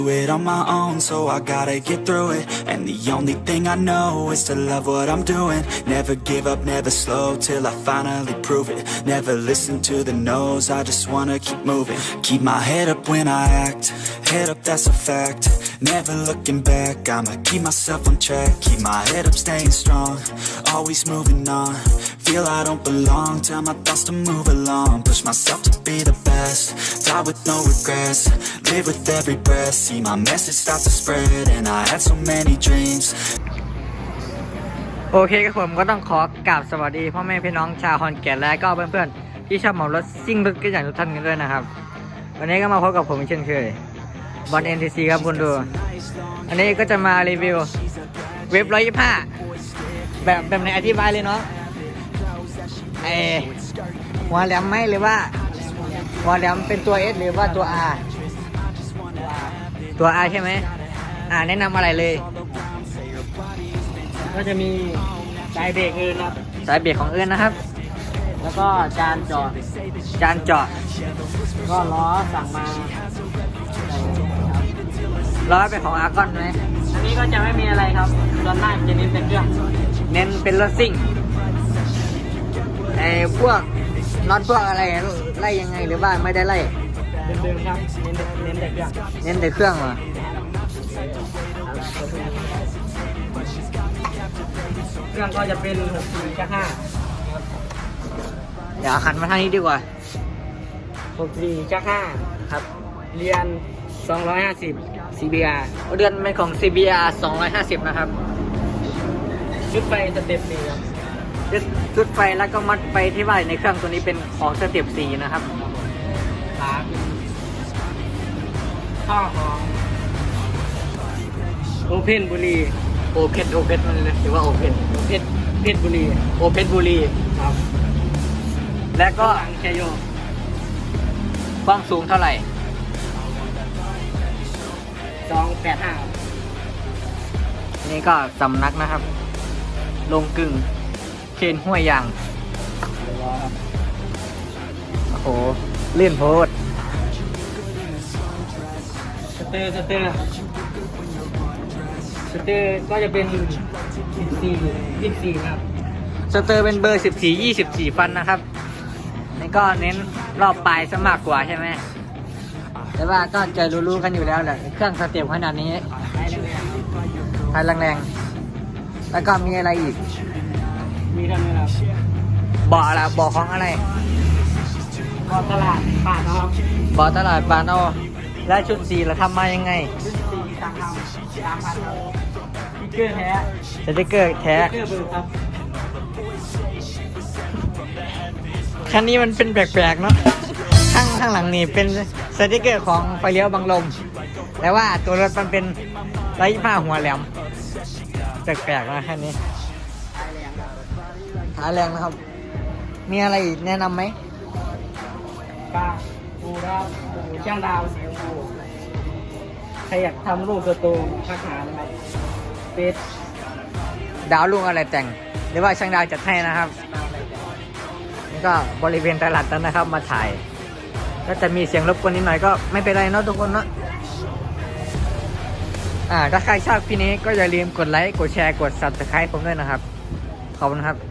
it on my own, so I gotta get through it. And the only thing I know is to love what I'm doing. Never give up, never slow, till I finally prove it. Never listen to the no's, I just wanna keep moving. Keep my head up when I act, head up, that's a fact. Never looking back, I'ma keep myself on track. Keep my head up, staying strong, always moving on. Feel I don't belong, tell my thoughts to move along. Push myself to be the best, die with no regrets. Live with every breath, see my message start to spread. And I had so many dreams. โอเคครับผมก็ต้องขอกราบสวัสดีพ่อแม่พี่น้องชาวขอนแก่นและก็เพื่อนๆที่ชอบเหมารถซิ่งรถกันอย่างทุกท่านกันด้วยนะครับวันนี้ก็มาพบกับผมเช่นเคยบอล NTC ครับคุณดูอันนี้ก็จะมารีวิวเว็บ125แบบไหนอธิบายเลยเนาะหัวแหลมไหมหรือว่าหัวแหลมเป็นตัว S หรือว่าตัว R ตัว R ใช่ไหมแนะนำอะไรเลยก็จะมีสายเบรกอื่นครับสายเบรกของอื่นนะครับแล้วก็จานเจาะก็ล้อสั่งมาล้อเป็นของอาร์กอนไหมอันนี้ก็จะไม่มีอะไรครับส่วนมากจะเน้นแต่เครื่องเน้นเป็นรถซิ่งพวกน็อตพวกอะไรไล่ยังไงหรือว่าไม่ได้ไล่เดิมๆครับเน้นแต่เครื่องเน้นแต่เครื่องเหรอเครื่องก็จะเป็น64ชัก5 เดี๋ยวหันมาทางนี้ดีกว่า 64ชัก5ครับเรียน250 CBR เดือนเป็นของ CBR 250นะครับชุดไฟสเต็ป4ครับชุดไฟแล้วก็มัดไฟที่ว่าในเครื่องตัวนี้เป็นของสเต็ป4นะครับขาข้อของโอเพนบุรีโอเพนมันเลยหรือว่าโอเพนเพชรบุรีโอเพนบุรีครับและก็แคโยความสูงเท่าไหร่ 285 นี่ก็สำนักนะครับลงกึ่งเคนห้วยยางโอ้โหเลื่อนโพดสเตอร์ก็จะเป็น24ครับสเตอร์เป็นเบอร์24ฟันนะครับนี่ก็เน้นรอบปลายซะมากกว่าใช่ไหมแต่ว่าก็จะรู้ๆกันอยู่แล้วแหละเครื่องสเต็ปขนาดนี้ท้ายแรงๆแล้วก็มีอะไรอีกมีทำไมครับบ่อละบ่อของอะไรบ่อตลาดปาดเอาบ่อตลาดปาดเอาและชุดสีเราทำมายังไงชุดสีสั่งทำ3,000สติ๊กเกอร์แท้สติ๊กเกอร์เบอร์ครับคันนี้มันเป็นแปลกๆเนาะข้างหลังนี่เป็นสติ๊กเกอร์ของไฟเลี้ยวบังลมแต่ว่าตัวรถมันเป็น125หัวแหลมแปลกๆนะคันนี้ท้ายแรงนะครับมีอะไรแนะนำไหมป้าปูครับปูช่างดาวสีชมพูใครอยากทำรูปตัวโตทักหานะครับเฟซดาวลุงอะไรแต่งหรือว่าช่างดาวจัดให้นะครับนี่ก็บริเวณตลาดนั้นนะครับมาถ่ายก็จะมีเสียงรบกวนนิดหน่อยก็ไม่เป็นไรเนาะทุกคนเนาะถ้าใครชอบคลิปนี้ก็อย่าลืมกดไลค์กดแชร์กด Subscribe ผมด้วยนะครับขอบคุณครับ